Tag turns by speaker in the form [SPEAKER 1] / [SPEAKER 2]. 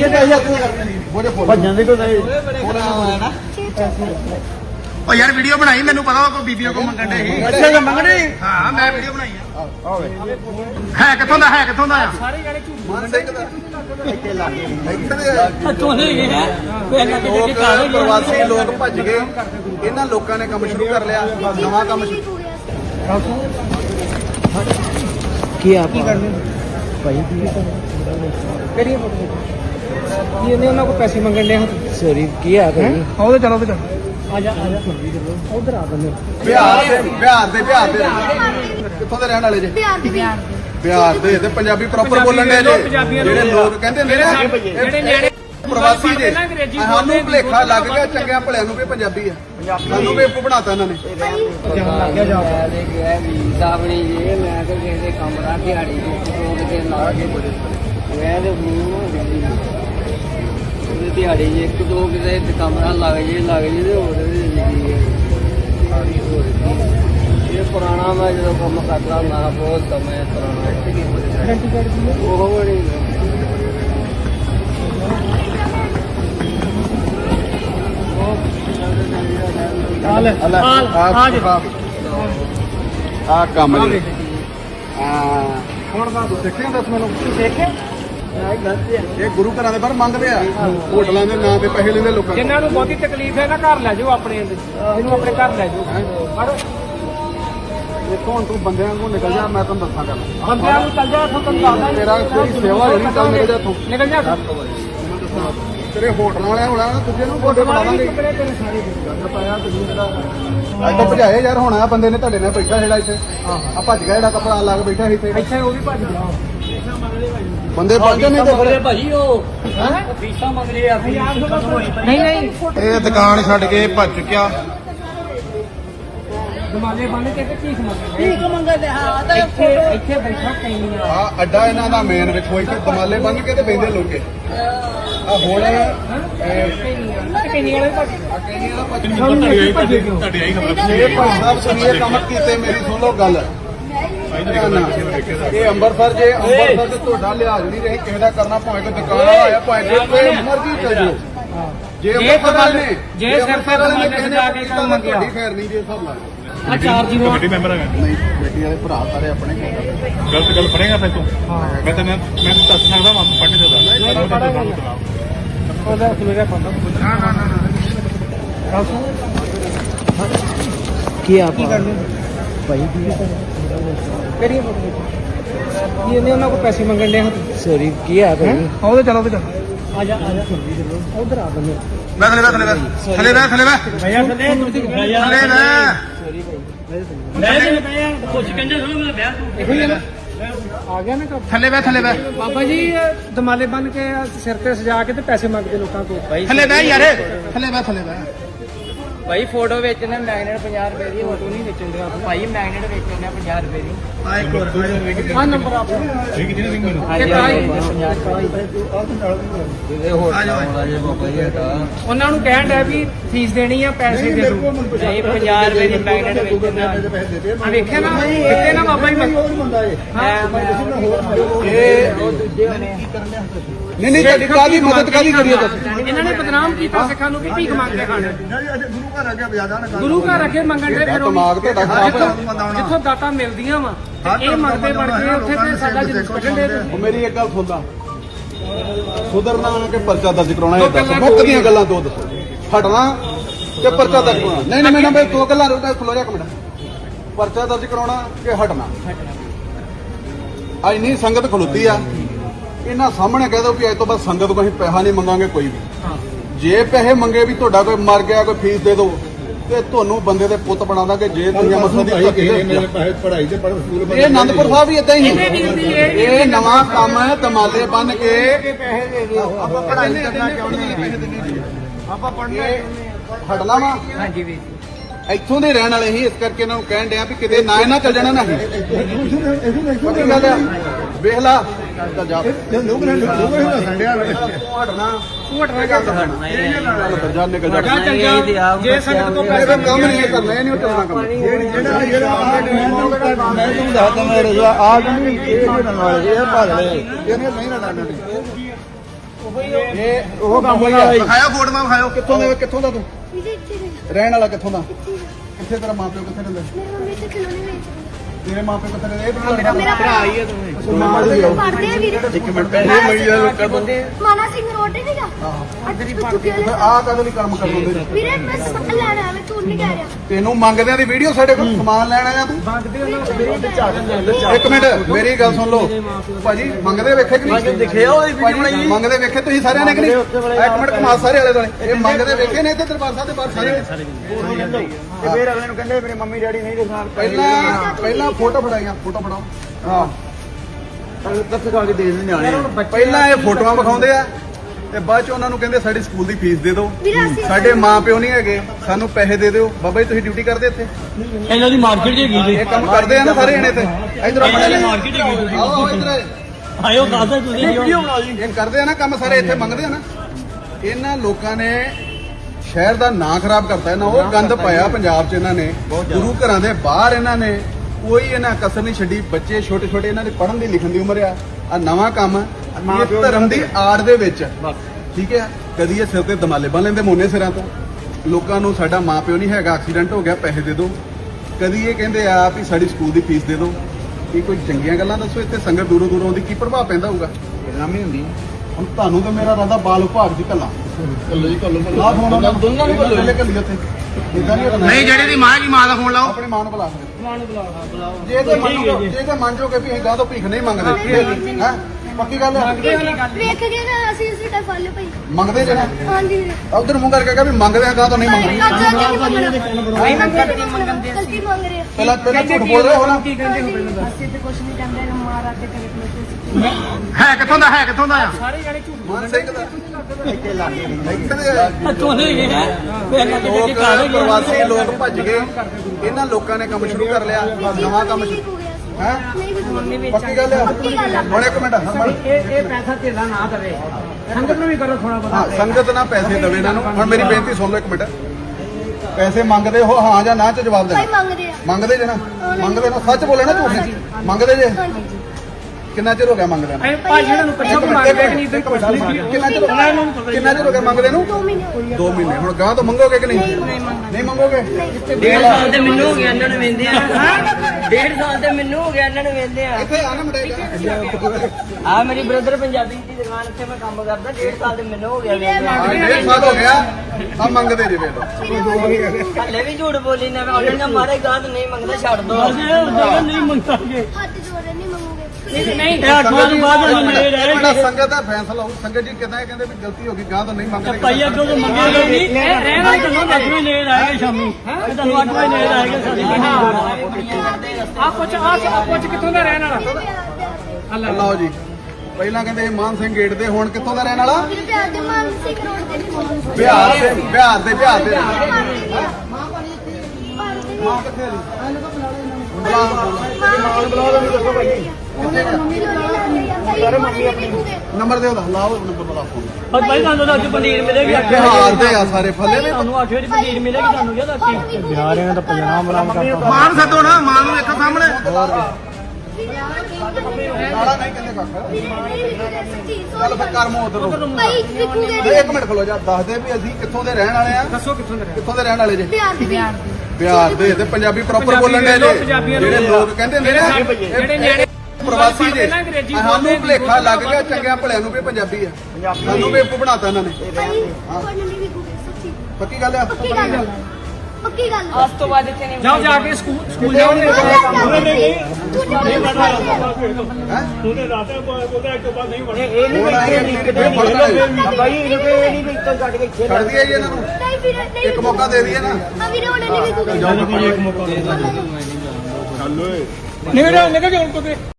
[SPEAKER 1] ਉਹ ਯਾਰ ਵੀਡੀਓ ਬਣਾਈ ਮੈਨੂੰ ਪਤਾ ਕੋਈ ਬੀਬੀਆਂ ਕੋ ਮੰਗਣ ਦੇ ਸੀ।
[SPEAKER 2] ਅੱਛਾ ਮੰਗਣੇ
[SPEAKER 1] ਹਾਂ ਮੈਂ ਵੀਡੀਓ ਬਣਾਈ ਆ। ਹੈ ਕਿੱਥੋਂ ਦਾ ਆ?
[SPEAKER 2] ਸਾਰੇ ਜਾਣੇ ਝੂਠ
[SPEAKER 3] ਮਾਨ ਸਿੰਘ ਦਾ ਪ੍ਰਵਾਸੀ ਲੋਕ ਭੱਜ ਗਏ, ਇਹਨਾਂ ਲੋਕਾਂ ਨੇ ਕੰਮ ਸ਼ੁਰੂ ਕਰ ਲਿਆ, ਨਵਾਂ ਕੰਮ ਸ਼ੁਰੂ।
[SPEAKER 2] ਕੀ ਕਰਨੇ ਭਾਈ ਕਰੀਏ ਕੀ ਇਹਨੇ ਉਹਨਾਂ ਕੋ ਪੈਸੇ ਮੰਗਣ ਦੇ ਸੌਰੀ ਕੀ ਆ ਭਾਈ ਆਓ ਚਲੋ ਤੇ ਆ ਜਾ ਉਧਰ ਆ ਬੰਦੇ
[SPEAKER 3] ਬਿਹਾਰ ਦੇ ਕਿੱਥੋਂ ਦੇ ਰਹਿਣ ਵਾਲੇ ਜੇ? ਬਿਹਾਰ ਦੇ ਤੇ ਪੰਜਾਬੀ ਪ੍ਰੋਪਰ ਬੋਲਣ ਦੇ ਜੇ। ਜਿਹੜੇ ਲੋਕ ਕਹਿੰਦੇ ਨੇ
[SPEAKER 2] ਜਿਹੜੇ ਨਿਆਣੇ
[SPEAKER 3] ਪ੍ਰਵਾਸੀ ਜੇ, ਸਾਨੂੰ ਭੁਲੇਖਾ ਲੱਗ ਗਿਆ ਚੰਗਿਆਂ ਭਲਿਆਂ ਨੂੰ ਵੀ ਪੰਜਾਬੀ ਆ, ਸਾਨੂੰ ਬੇਵਕੂਫ ਬਣਾਤਾ ਇਹਨਾਂ ਨੇ।
[SPEAKER 4] ਸਾਹਮਣੇ ਜੇ ਮੈਂ ਤਾਂ ਕਿਸੇ ਦੇ ਕਮਰਾ ਦਿਹਾੜੀ ਦੇ ਲਾ ਕੇ ਮੈਂ ਤੇ ਦਿਹਾੜੀ ਜੇ ਇੱਕ ਦੋ ਕਿਤੇ ਕਮਰਾ ਲੱਗ ਜੇ ਤੇ ਹੋਰ ਇਹ ਪੁਰਾਣਾ ਮੈਂ ਜਦੋਂ ਕੰਮ ਕਰਦਾ ਮੈਂ ਬਹੁਤ ਸਮੇਂ ਪੁਰਾਣਾ ਉਹ ਬਣੀ
[SPEAKER 3] ਆ ਕੰਮ ਜੀ ਹੁਣ ਤਾਂ ਦੇਖਿਆ ਦੱਸ ਮੈਨੂੰ
[SPEAKER 2] ਦੇਖੇ
[SPEAKER 3] ਇਹ ਗੁਰੂ ਘਰਾਂ ਦੇ ਬਾਹਰ ਮੰਗਦੇ ਆ, ਹੋਟਲਾਂ ਦੇ ਨਾਂ ਤੇ ਪੈਸੇ ਲੈਂਦੇ ਲੋਕਾਂ।
[SPEAKER 2] ਜਿਨ੍ਹਾਂ ਨੂੰ ਬਹੁਤੀ ਤਕਲੀਫ ਹੈ ਨਾ ਘਰ ਲੈ ਜਾਓ ਆਪਣੇ ਇਹਨੂੰ ਆਪਣੇ ਘਰ ਲੈ ਜਾਓ ਪਰ
[SPEAKER 3] ਦੇਖੋ ਹੁਣ ਤੂੰ ਬੰਦਿਆਂ ਨੂੰ ਨਿਕਲ ਜਾ, ਮੈਂ ਤੁਹਾਨੂੰ ਦੱਸਾਂ ਗੱਲ।
[SPEAKER 2] ਬੰਦਿਆਂ ਨੂੰ ਚੱਲ ਜਾ ਤੁਹਾਨੂੰ ਦੱਸਦਾ
[SPEAKER 3] ਤੇਰਾ ਕੋਈ ਸੇਵਾ ਜਿਹੜੀ ਚੱਲ ਨਿਕਲ ਜਾ ਤੂੰ।
[SPEAKER 2] ਨਿਕਲ ਜਾ
[SPEAKER 3] ਤੇਰੇ ਹੋਟਲਾਂ ਵਾਲਿਆਂ ਹੋਣਾ ਦੂਜੇ ਨੂੰ ਵੋਟ ਬਣਾ ਦਾਂਗੇ। ਅੱਜ ਤਾਂ ਭਜਾਏ ਯਾਰ, ਹੁਣ ਆ ਬੰਦੇ ਨੇ ਤੁਹਾਡੇ ਨਾਲ ਬੈਠਾ ਜਿਹੜਾ ਇੱਥੇ ਆ ਭੱਜ ਗਿਆ, ਜਿਹੜਾ ਕੱਪੜਾ ਲਾ ਕੇ ਬੈਠਾ ਸੀ ਇੱਥੇ
[SPEAKER 2] ਇੱਥੇ ਉਹ ਵੀ ਭੱਜ ਗਿਆ
[SPEAKER 3] ਬੰਦੇ ਭੱਜ ਨਹੀਂ ਤੇ
[SPEAKER 4] ਭਾਜੀ ਉਹ ਫੀਸਾਂ ਮੰਗ ਰਹੇ ਆ
[SPEAKER 2] ਨਹੀਂ
[SPEAKER 1] ਇਹ ਦੁਕਾਨ ਛੱਡ ਕੇ ਭੱਜ ਚੁੱਕਿਆ।
[SPEAKER 2] ਦਮਾਲੇ ਬੰਨ ਕੇ ਤੇ ਭੀਖ ਮੰਗਦੇ ਹਾਂ ਇੱਥੇ ਬੈਠਾ ਕਈ
[SPEAKER 3] ਆ ਅੱਡਾ ਇਹਨਾਂ ਦਾ ਮੇਨ ਵੇਖੋ, ਇੱਥੇ ਦਮਾਲੇ ਬੰਨ ਕੇ ਤੇ ਬੈਂਦੇ ਲੋਕੇ ਆ ਹੁਣ ਇਹ ਭਾਈ ਸਾਹਿਬ ਸੁਣੀਏ ਕੰਮ ਕੀਤੇ, ਮੇਰੀ ਸੁਣ ਲਓ ਗੱਲ। ਇਹ ਅੰਮ੍ਰਿਤਸਰ ਜੇ ਅੰਮ੍ਰਿਤਸਰ ਤੇ ਤੁਹਾਡਾ ਲਿਹਾਜ਼ ਨਹੀਂ ਰਹੇ ਕਿਸੇ ਦਾ ਕਰਨਾ, ਭਾਵੇਂ ਕੋਈ ਦੁਕਾਨ ਵਾਲਾ ਆਇਆ, ਭਾਵੇਂ ਕੋਈ ਮਰਜ਼ੀ ਚੱਲ ਜਾਓ। ਜੇ ਅੰਮ੍ਰਿਤਸਰ ਵਾਲੇ ਨੇ
[SPEAKER 2] ਜੇ ਸਿਰਫ
[SPEAKER 3] ਵਾਲੇ ਨੇ ਕਿਸੇ
[SPEAKER 2] ਜਾ ਕੇ ਕੰਮ ਮੰਗਿਆ
[SPEAKER 3] ਤੁਹਾਡੀ ਖੈਰ ਨਹੀਂ ਜੇ ਸਭ ਲਾ
[SPEAKER 2] ਆ 4 ਜੀਰੋ
[SPEAKER 1] ਕਮੇਟੀ ਮੈਂਬਰ ਹੈਗਾ।
[SPEAKER 3] ਨਹੀਂ ਬੇਟੀ ਵਾਲੇ ਭਰਾ ਸਾਰੇ ਆਪਣੇ
[SPEAKER 1] ਗਲਤ ਗੱਲ ਪੜੇਗਾ ਫਿਰ ਤੂੰ। ਮੈਂ ਤਾਂ ਦੱਸ ਸਕਦਾ ਵਾਂ ਪੜ੍ਹਨੇ ਦਾ
[SPEAKER 2] ਉਹਦਾ ਖੁੱਲ੍ਹਾ ਪੰਦਾ ਕੀ ਕਰਨੇ ਭਾਈ ਕਰੀਏ ਕੀ ਇਹਨੇ ਉਹਨਾਂ ਕੋ ਪੈਸੇ ਮੰਗਣ ਦੇ ਸੌਰੀ ਕੀ ਆ ਭਾਈ ਆਓ ਚਲੋ ਤੇ ਆ ਜਾ ਉਧਰ ਆ ਬੰਦੇ
[SPEAKER 1] ਥੱਲੇ
[SPEAKER 2] ਆ ਗਿਆ ਨਾ
[SPEAKER 1] ਥੱਲੇ ਬਹਿ
[SPEAKER 2] ਬਾਬਾ ਜੀ ਦਮਾਲੇ ਬੰਨ ਕੇ ਸਿਰ ਤੇ ਸਜਾ ਕੇ ਤੇ ਪੈਸੇ ਮੰਗਦੇ ਲੋਕਾਂ ਕੋਲ
[SPEAKER 1] ਥੱਲੇ ਬਹਿ ਯਾਰ, ਥੱਲੇ ਬਹਿ
[SPEAKER 4] ਭਾਈ ਫੋਟੋ ਵੇਚਣਾ ਮੈਗਨੇਟ 50 ਰੁਪਏ ਦੀ ਫੋਟੋ ਨਹੀਂ ਵੇਚਣ ਦੇ ਭਾਈ ਮੈਗਨੇਟ ਵੇਚਣਾ 50 ਰੁਪਏ ਦੀ
[SPEAKER 2] ਆ ਨੰਬਰ ਆਪਣਾ ਉਹਨਾਂ ਨੂੰ ਕਹਿਣ ਡਿਆ ਵੀ ਫੀਸ ਦੇਣੀ ਆ ਪੈਸੇ ਦੇ ਦਿਓ
[SPEAKER 4] ਨਹੀਂ 50 ਰੁਪਏ ਦੀ ਮੈਗਨੇਟ ਵੇਚਣਾ
[SPEAKER 2] ਆ ਵੇਖਿਆ ਨਾ ਕਿਤੇ ਨਾ ਬਾਬਾ ਜੀ
[SPEAKER 4] ਇਹ ਉਹ ਦੂਜੇ ਹੋਣੇ
[SPEAKER 3] ਨਹੀਂ ਤੁਹਾਡੀ ਕਾਹਦੀ ਮਦਦ ਕਾਹਦੀ ਕਰੀਏ ਦੱਸ।
[SPEAKER 2] ਇਹਨਾਂ ਨੇ ਬਦਨਾਮ ਕੀਤਾ ਸਿੱਖਾਂ ਨੂੰ ਵੀ ਭੀਖ ਮੰਗ ਕੇ ਖਾਣੇ ਗੁਰੂ ਘਰ ਅੱਗੇ ਮੰਗਣ ਦੇ ਫਿਰ
[SPEAKER 3] ਦਿਮਾਗ ਤੁਹਾਡਾ ਖਰਾਬ
[SPEAKER 2] ਜਿੱਥੋਂ ਦਾਤਾਂ ਮਿਲਦੀਆਂ ਵਾ ਇਹ ਮੰਗਦੇ ਬਣ ਕੇ ਉੱਥੇ ਤੇ ਸਾਡਾ ਜਲੂਸ ਕੱਢਣ ਦੇ
[SPEAKER 3] ਉਹ ਮੇਰੀ ਇੱਕ ਗੱਲ ਸੁਣਦਾ, ਸੁਧਰਨਾ ਕਿ ਪਰਚਾ ਦਰਜ ਕਰਾਉਣਾ, ਇਹ ਦੱਸ ਮੁੱਕ ਦੀਆਂ ਗੱਲਾਂ ਦੋ ਦੱਸੋ। ਹਟਣਾ ਕਿ ਪਰਚਾ ਦਰਜ ਕਰਾਉਣਾ? ਨਹੀਂ ਮੈਂ ਦੋ ਗੱਲਾਂ ਰੋਟਾ ਖਲੋ ਜਾ ਕਮੜਾ। ਪਰਚਾ ਦਰਜ ਕਰਾਉਣਾ ਕਿ ਹਟਣਾ? ਅੱਜ ਨਹੀਂ ਸੰਗਤ ਖਲੋਤੀ ਆ, ਇਹਨਾਂ ਸਾਹਮਣੇ ਕਹਿ ਦੋ ਵੀ ਅੱਜ ਤੋਂ ਬਾਅਦ ਸੰਗਤ ਕੋਈ ਪੈਸਾ ਨਹੀਂ ਮੰਗਾਂਗੇ ਕੋਈ ਵੀ। ਜੇ ਪੈਸੇ ਮੰਗੇ ਵੀ ਤੁਹਾਡਾ ਕੋਈ ਮਰ ਗਿਆ ਕੋਈ ਫੀਸ ਦੇ ਦਿਓ ਤੇ ਤੁਹਾਨੂੰ ਬੰਦੇ ਦੇ ਪੁੱਤ ਬਣਾ ਦਾਂਗੇ। ਜੇ ਦੁਨੀਆ ਮਸਲਾ ਦੀ
[SPEAKER 1] ਪੜ੍ਹਾਈ ਤੇ ਪੜ੍ਹ ਸਕੂਲ
[SPEAKER 3] ਇਹ ਆਨੰਦਪੁਰ ਸਾਹਿਬ ਵੀ ਇਦਾਂ ਹੀ ਇਹ ਨਵਾਂ ਕੰਮ ਹੈ, ਦਮਾਲੇ ਬੰਨ ਕੇ ਆਪਾਂ ਪੜ੍ਹਾਈ ਕਰਨਾ ਚਾਹੁੰਦੇ ਆਪਾਂ ਪੜ੍ਹਨਾ ਹਟਣਾ ਵਾ।
[SPEAKER 2] ਹਾਂਜੀ ਵੀ
[SPEAKER 3] ਇੱਥੋਂ ਦੇ ਰਹਿਣ ਵਾਲੇ ਹੀ, ਇਸ ਕਰਕੇ ਇਹਨਾਂ ਨੂੰ ਕਹਿਣ ਡਿਆ ਵੀ ਕਿਤੇ ਨਾ ਇਹਨਾਂ ਚੱਲ ਜਾਣਾ ਨਾ ਵੇਖ ਲਾ ਚੱਲ ਜਾ ਹਟਣਾ ਨਿਕਲ ਜਾ
[SPEAKER 2] ਜੇ ਸੰਗਤ ਤੋਂ
[SPEAKER 3] ਇਹਦਾ ਕੰਮ ਨਹੀਂ ਕਰਨਾ, ਇਹ ਨਹੀਂ ਚੱਲਣਾ ਕੰਮ।
[SPEAKER 1] ਮੈਂ ਤੁਹਾਨੂੰ ਦੱਸਦਾ ਮੈਂ ਆ ਨਹੀਂ ਇਹ ਭਾਗ ਲੈ ਇਹਨੇ ਨਹੀਂ ਨਾ
[SPEAKER 3] ਇਹ ਉਹ ਕੰਮ ਹੋਇਆ ਵਿਖਾਇਓ ਫੋਟੋਆਂ ਵਿਖਾਇਓ ਕਿੱਥੋਂ ਦਾ ਤੂੰ ਰਹਿਣ ਵਾਲਾ ਕਿੱਥੋਂ ਦਾ ਕਿੱਥੇ ਤੇਰਾ ਮਾਂ ਪਿਓ ਕਿੱਥੇ ਰਹਿੰਦੇ ਤੇਰੇ ਮਾਂ ਪਿਓ ਕਿੱਥੇ ਰਹਿੰਦੇ ਇਹ
[SPEAKER 4] ਮੇਰਾ ਭਰਾ ਹੀ ਹੈ ਤੂੰ
[SPEAKER 5] ਪੜਦੇ ਆ ਵੀਰੇ
[SPEAKER 3] ਇੱਕ ਮਿੰਟ ਪਹਿਲੇ ਮੀਡੀਆ ਲੋਕਾਂ ਤੋਂ
[SPEAKER 5] ਮਾਨਾ ਸਿੰਘ ਰੋਡ ਤੇ ਨਹੀਂਗਾ
[SPEAKER 3] ਆਹ ਕਦੋਂ ਨਹੀਂ ਕੰਮ ਕਰਨ ਦਿੰਦੇ
[SPEAKER 5] ਵੀਰੇ ਮੈਂ ਸਮਾਨ ਲੈਣ ਆਇਆ ਮੈਂ ਝੂਠ ਨਹੀਂ ਕਹਿ ਰਿਹਾ
[SPEAKER 3] ਤੈਨੂੰ ਮੰਗਦਿਆਂ ਦੀ ਵੀਡੀਓ ਸਾਡੇ ਕੋਲ ਸਮਾਨ ਲੈਣ ਆਇਆ ਤੂੰ ਇੱਕ ਮਿੰਟ ਮੇਰੀ ਗੱਲ ਸੁਣ ਲਓ ਭਾਜੀ ਮੰਗਦੇ ਵੇਖੇ ਕਿ ਨਹੀਂ ਦਿਖਿਆ ਉਹਦੀ ਵੀਡੀਓ ਬਣਾਈ ਮੰਗਦੇ ਵੇਖੇ ਤੁਸੀਂ ਸਾਰਿਆਂ ਨੇ ਕਿ ਨਹੀਂ ਇੱਕ ਮਿੰਟ ਕਮਾ ਸਾਰੇ ਵਾਲੇ ਦੁਆਲੇ ਇਹ ਮੰਗਦੇ ਵੇਖੇ ਨੇ ਤੇ ਦਰਬਾਰ ਸਾਹਿਬ ਦੇ ਬਾਹਰ ਸਾਰੇ
[SPEAKER 2] ਤੇ ਫਿਰ ਅਗਲੇ ਨੂੰ ਕਹਿੰਦੇ ਮੇਰੇ ਮੰਮੀ ਡੈਡੀ ਨਹੀਂ ਦਿਖਾਣ
[SPEAKER 3] ਪਹਿਲਾਂ ਫੋਟੋ ਫੜਾਈਆਂ ਫੋਟੋ ਫੜਾਓ ਹਾਂ
[SPEAKER 2] ਦੱਸ ਖਾ ਕੇ ਦੇ ਦਿੰਦੇ ਨਿਆਣੇ
[SPEAKER 3] ਪਹਿਲਾਂ ਇਹ ਫੋਟੋਆਂ ਵਿਖਾਉਂਦੇ ਆ ਤੇ ਬਾਅਦ ਚ ਉਹਨਾਂ ਨੂੰ ਕਹਿੰਦੇ ਸਾਡੀ ਸਕੂਲ ਦੀ ਫੀਸ ਦੇ ਦਿਓ
[SPEAKER 5] ਵੀਰੇ ਅਸੀਂ
[SPEAKER 3] ਸਾਡੇ ਮਾਂ ਪਿਓ ਨਹੀਂ ਹੈਗੇ ਸਾਨੂੰ ਪੈਸੇ ਦੇ ਦਿਓ ਬਾਬਾ ਜੀ ਤੁਸੀਂ ਡਿਊਟੀ ਕਰਦੇ ਇੱਥੇ
[SPEAKER 2] ਇਹਨਾਂ ਦੀ ਮਾਰਕੀਟ ਹੈਗੀ ਜੀ
[SPEAKER 3] ਇਹ ਕੰਮ ਕਰਦੇ ਆ ਨਾ ਸਾਰੇ ਜਣੇ ਇੱਥੇ ਇਧਰ
[SPEAKER 2] ਮਾਰਕੀਟ ਹੈਗੀ ਤੁਸੀਂ
[SPEAKER 3] ਆਓ ਇੱਧਰ
[SPEAKER 2] ਆਇਓ ਦੱਸਦੇ ਤੁਸੀਂ ਵੀਡੀਓ ਬਣਾ ਜੀ
[SPEAKER 3] ਇਹ ਕਰਦੇ ਆ ਨਾ ਕੰਮ ਸਾਰੇ ਇੱਥੇ ਮੰਗਦੇ ਆ ਨਾ ਇਹਨਾਂ ਲੋਕਾਂ ਨੇ ਸ਼ਹਿਰ ਦਾ ਨਾਂ ਖਰਾਬ ਕਰਤਾ ਇਹਨਾਂ ਉਹ ਗੰਦ ਪਾਇਆ ਪੰਜਾਬ 'ਚ ਇਹਨਾਂ ਨੇ ਗੁਰੂ ਘਰਾਂ ਦੇ ਬਾਹਰ ਇਹਨਾਂ ਨੇ ਕੋਈ ਇਹਨਾਂ ਕਸਰ ਨਹੀਂ ਛੱਡੀ ਬੱਚੇ ਛੋਟੇ ਛੋਟੇ ਇਹਨਾਂ ਦੇ ਪੜ੍ਹਨ ਦੀ ਲਿਖਣ ਦੀ ਉਮਰ ਆ ਨਵਾਂ ਕੰਮ ਇਹ ਧਰਮ ਦੀ ਆੜ ਦੇ ਵਿੱਚ ਠੀਕ ਹੈ ਕਦੀ ਇਹ ਸਿਰ ਤੇ ਦਮਾਲੇ ਬੰਨ ਲੈਂਦੇ ਮੋਨੇ ਸਿਰਾਂ ਤੋਂ ਲੋਕਾਂ ਨੂੰ ਸਾਡਾ ਮਾਂ ਪਿਓ ਨਹੀਂ ਹੈਗਾ ਐਕਸੀਡੈਂਟ ਹੋ ਗਿਆ ਪੈਸੇ ਦੇ ਦਿਓ ਕਦੀ ਇਹ ਕਹਿੰਦੇ ਆ ਵੀ ਸਾਡੀ ਸਕੂਲ ਦੀ ਫੀਸ ਦੇ ਦਿਓ ਇਹ ਕੋਈ ਚੰਗੀਆਂ ਗੱਲਾਂ ਦੱਸੋ ਇੱਥੇ ਸੰਗਤ ਦੂਰੋਂ ਦੂਰੋਂ ਆਉਂਦੀ ਕੀ ਪ੍ਰਭਾਵ ਪੈਂਦਾ ਹੋਊਗਾ
[SPEAKER 2] ਨਾਮੀ ਹੁੰਦੀ
[SPEAKER 3] ਹੁਣ ਤੁਹਾਨੂੰ ਤਾਂ ਮੇਰਾ ਰਾਦਾ ਬਾਲ ਵਿਭਾਗ ਦੀ ਕੱਲਾ ਕੱਲੋ ਜੀ ਕੱਲੋ ਆ ਫੋਨ ਉਹਨਾਂ ਦੋਨਾਂ ਨੂੰ ਕੱਲੋ ਕੱਲੀ ਉੱਥੇ ਇਦਾਂ ਨਹੀਂ
[SPEAKER 2] ਜਿਹੜੀ ਦੀ ਮਾਂ ਦੀ ਮਾਂ ਦਾ ਫੋਨ ਲਾਓ
[SPEAKER 3] ਆਪਣੀ ਮਾਂ ਨੂੰ ਬੁਲਾ ਜੇ ਤੇ ਮੰਨ ਜਾਓਗੇ ਵੀ ਅਸੀਂ ਗਾਂ ਤੋਂ ਭੀਖ ਨਹੀਂ ਮੰਗਦੇ ਹੈ ਪੱਕੀ ਗੱਲ ਹੈ
[SPEAKER 5] ਵੇਖ ਕੇ ਨਾ ਅਸੀਂ ਸਿੱਟਾ ਫੜ ਲਿਓ ਭਾਈ
[SPEAKER 3] ਮੰਗਦੇ ਜਣਾ
[SPEAKER 5] ਹਾਂਜੀ ਵੀਰੇ
[SPEAKER 3] ਉਧਰ ਮੂੰਹ ਕਰਕੇ ਕਹਾਂ ਵੀ ਮੰਗਦੇ ਆ ਗਾਂ ਤੋਂ ਨਹੀਂ ਮੰਗਦੇ
[SPEAKER 5] ਨਹੀਂ ਮੰਗਦੇ ਗਲਤੀ ਮੰਗ ਰਹੇ
[SPEAKER 3] ਪਹਿਲਾਂ ਝੂਠ ਬੋਲ ਰਹੇ ਹੋ ਨਾ
[SPEAKER 5] ਅਸੀਂ ਤੇ ਕੁਝ ਨਹੀਂ ਕਹਿੰਦੇ ਮਾਰਾ ਤੇ ਕਰੇ
[SPEAKER 3] ਹੈ ਕਿੱਥੋਂ ਦਾ ਆ ਮਾਨ ਸਿੰਘ ਦਾ ਲੋਕ ਪ੍ਰਵਾਸੀ ਲੋਕ ਭੱਜ ਗਏ ਇਹਨਾਂ ਲੋਕਾਂ ਨੇ ਕੰਮ ਸ਼ੁਰੂ ਕਰ ਲਿਆ ਨਵਾਂ ਕੰਮ ਹੈ ਪੱਕੀ ਗੱਲ ਹੈ ਹੁਣ ਇੱਕ ਮਿੰਟ
[SPEAKER 2] ਇਹ ਪੈਸਾ ਢਿੱਲਾ ਨਾ ਦੇਵੇ ਸੰਗਤ ਨੂੰ ਵੀ ਕਰੋ ਥੋੜਾ
[SPEAKER 3] ਹਾਂ ਸੰਗਤ ਨਾ ਪੈਸੇ ਦੇਵੇ ਇਹਨਾਂ ਨੂੰ ਹੁਣ ਮੇਰੀ ਬੇਨਤੀ ਸੁਣ ਲਓ ਇੱਕ ਮਿੰਟ ਪੈਸੇ ਮੰਗਦੇ ਹੋ ਹਾਂ ਜਾਂ ਨਾ ਚ ਜਵਾਬ
[SPEAKER 5] ਭਾਈ
[SPEAKER 3] ਦੇਣਾ
[SPEAKER 5] ਮੰਗਦੇ ਆ
[SPEAKER 3] ਮੰਗਦੇ ਜੇ ਨਾ ਮੰਗਦੇ ਨਾ ਸੱਚ ਬੋਲੇ ਨਾ ਝੂਠ ਨਹੀਂ ਮੰਗਦੇ ਜੇ ਕਿੰਨਾ ਚਿਰ ਹੋ ਗਿਆ ਮੰਗਦੇ ਨੂੰ
[SPEAKER 2] ਭਾਜੀ ਇਹਨਾਂ ਨੂੰ ਪਿੱਛੋਂ ਮੰਗਦੇ ਕਿ ਨਹੀਂ
[SPEAKER 3] ਕਿੰਨਾ ਚਿਰ ਹੋ ਗਿਆ ਮੰਗਦੇ ਨੂੰ
[SPEAKER 5] 2 ਮਹੀਨੇ
[SPEAKER 3] 2 ਮਹੀਨੇ ਹੁਣ ਗਾਂ ਤੋਂ ਮੰਗੋਗੇ ਕਿ ਨਹੀਂ ਨਹੀਂ ਮੰਗੋਗੇ
[SPEAKER 4] 1.5 ਸਾਲ ਤੇ ਮੈਨੂੰ ਹੋ ਗਿਆ ਇਹਨਾਂ ਨੂੰ ਵੇਂਦੇ ਆ 1.5 ਸਾਲ ਤੇ ਮੈਨੂੰ ਹੋ ਗਿਆ ਇਹਨਾਂ ਨੂੰ ਵੇਂਦੇ ਆ
[SPEAKER 3] ਇੱਥੇ ਆ ਨਾ ਮਟਾਈ
[SPEAKER 4] ਆ ਮੇਰੀ ਬ੍ਰਦਰ ਪੰਜਾਬੀ ਦੀ ਦੁਕਾਨ ਇੱਥੇ ਮੈਂ ਕੰਮ ਕਰਦਾ 1.5 ਸਾਲ ਤੇ ਮੈਨੂੰ ਹੋ ਗਿਆ ਵੇਂਦੇ ਆ
[SPEAKER 3] 1.5 ਸਾਲ ਹੋ ਗਿਆ ਆ ਮੰਗਦੇ ਜੇ ਵੇਖ
[SPEAKER 4] ਹੱਲੇ ਵੀ ਝੂਠ ਬੋਲੀ ਨਾ ਮੈਂ ਉਹਨਾਂ ਨੇ ਮਾਰੇ ਗਾਹ ਨਹੀਂ ਮੰਗਦਾ ਛੱਡ ਦੋ
[SPEAKER 2] ਨਹੀਂ ਮੰਗਾਂਗੇ
[SPEAKER 5] ਹੱਥ ਜੋੜੇ ਨਹੀਂ ਮੰਗੋਗੇ
[SPEAKER 2] ਨਹੀਂ ਇਹ 8 ਤੋਂ ਬਾਅਦ ਮਿਲੇ ਰਹੇ
[SPEAKER 3] ਸੰਗਤ ਦਾ ਫੈਸਲਾ ਹੋਊ ਸੰਗਤ ਜੀ ਕਿਦਾਂ ਕਹਿੰਦੇ ਵੀ ਗਲਤੀ ਹੋ ਗਈ ਗਾਂ ਤੋਂ ਨਹੀਂ ਮੰਗਦੇ
[SPEAKER 2] ਭਾਈ ਅੱਗੋਂ ਤੋਂ ਮੰਗੇਗਾ ਨਹੀਂ ਰਹਿਣ ਵਾਲੇ ਤੁਹਾਨੂੰ 8 ਵਜੇ ਨੇੜ ਆਏਗਾ ਸ਼ਾਮੀ ਤੁਹਾਨੂੰ 8 ਵਜੇ ਨੇੜ ਆਏਗਾ ਸਾਡੀ ਆ ਪੁੱਛ ਕਿੱਥੋਂ ਦਾ ਰਹਿਣ ਵਾਲਾ
[SPEAKER 3] ਲਓ ਜੀ ਪਹਿਲਾਂ ਕਹਿੰਦੇ ਮਾਨ ਸਿੰਘ ਗੇਟ ਦੇ ਹੁਣ ਕਿੱਥੋਂ ਦਾ ਰਹਿਣ ਵਾਲਾ
[SPEAKER 5] ਫਿਰ ਪਿਆਰ ਦੇ ਮਾਨ ਸਿੰਘ ਰੋਡ ਤੇ
[SPEAKER 3] ਬਿਹਾਰ ਦੇ
[SPEAKER 5] ਮਾਂ
[SPEAKER 3] ਕਿੱਥੇ ਨੰਬਰ ਦਿਓ ਦਾ ਲਾਓ ਨੰਬਰ ਬੁਲਾ ਫੋਨ
[SPEAKER 2] ਭਾਈ ਤੁਹਾਨੂੰ ਅੱਜ ਪਨੀਰ ਮਿਲੇਗੀ
[SPEAKER 3] ਬਿਹਾਰ ਦੇ ਆ ਸਾਰੇ ਫੱਲੇ ਨੇ
[SPEAKER 2] ਤੁਹਾਨੂੰ 8 ਵਜੇ ਪਨੀਰ ਮਿਲੇਗੀ ਤੁਹਾਨੂੰ ਯਾਦ ਆਕੀ ਬਿਹਾਰ ਇਹਨਾਂ ਦਾ ਪੰਜਾਬ ਬਰਾਮ ਕਰਤਾ
[SPEAKER 3] ਮਾਨ ਸੱਦੋ ਨਾ ਮਾਨ ਨੂੰ ਵੇਖੋ ਸਾਹਮਣੇ ਨਾਲਾ ਨਹੀਂ ਕਹਿੰਦੇ ਕੱਖ ਚੱਲ ਫਿਰ ਕਰਮੋ ਉਧਰ
[SPEAKER 5] ਭਾਈ ਵਿਕੂਗੇ
[SPEAKER 3] ਇੱਕ ਮਿੰਟ ਖਲੋ ਜਾ ਦੱਸਦੇ ਵੀ ਅਸੀਂ ਕਿੱਥੋਂ ਦੇ ਰਹਿਣ ਵਾਲੇ ਆ
[SPEAKER 2] ਦੱਸੋ
[SPEAKER 3] ਕਿੱਥੋਂ ਦੇ ਰਹਿਣ ਵਾਲੇ ਜੇ
[SPEAKER 5] ਬਿਹਾਰ
[SPEAKER 3] ਬਿਹਾਰ ਦੇ ਤੇ ਪੰਜਾਬੀ ਪ੍ਰੋਪਰ ਬੋਲਣ ਦੇ ਜਿਹੜੇ ਲੋਕ ਕਹਿੰਦੇ ਨੇ ਨਾ
[SPEAKER 2] ਜਿਹੜੇ ਨਿਆਣੇ
[SPEAKER 3] ਪ੍ਰਵਾਸੀ ਜੇ ਸਾਨੂੰ ਭੁਲੇਖਾ ਲੱਗ ਗਿਆ ਚੰਗਿਆਂ ਭਲਿਆਂ ਨੂੰ ਵੀ ਪੰਜਾਬੀ ਆ ਸਾਨੂੰ ਬੇਵਕੂਫ ਬਣਾਤਾ ਇਹਨਾਂ ਨੇ
[SPEAKER 5] ਭਾਈ ਕੋਈ ਨਹੀਂ ਵਿਕੂਗੇ ਸੱਚੀ
[SPEAKER 3] ਪੱਕੀ ਗੱਲ ਆ
[SPEAKER 5] ਪੱਕੀ ਗੱਲ ਪੱਕੀ ਗੱਲ
[SPEAKER 4] ਅੱਜ ਤੋਂ ਬਾਅਦ ਇੱਥੇ ਨਹੀਂ
[SPEAKER 2] ਜਾਓ ਜਾ ਕੇ ਸਕੂਲ ਜਾਓ
[SPEAKER 3] ਹੈ
[SPEAKER 2] ਭਾਈ ਇਹ ਨਹੀਂ ਵੀ ਇੱਥੋਂ ਕੱਢ ਕੇ
[SPEAKER 3] ਛੱਡ ਦਈਏ ਜੀ ਇਹਨਾਂ ਨੂੰ
[SPEAKER 5] ਨਹੀਂ ਵੀਰੇ ਨਹੀਂ
[SPEAKER 3] ਇੱਕ ਮੌਕਾ ਦੇ ਦਈਏ ਨਾ
[SPEAKER 5] ਵੀਰੇ ਉਹਨੇ ਨਹੀਂ ਵਿਕੂਗੇ
[SPEAKER 2] ਨਿਕਲ ਜਾਓ ਨਿਕਲ ਜਾਓ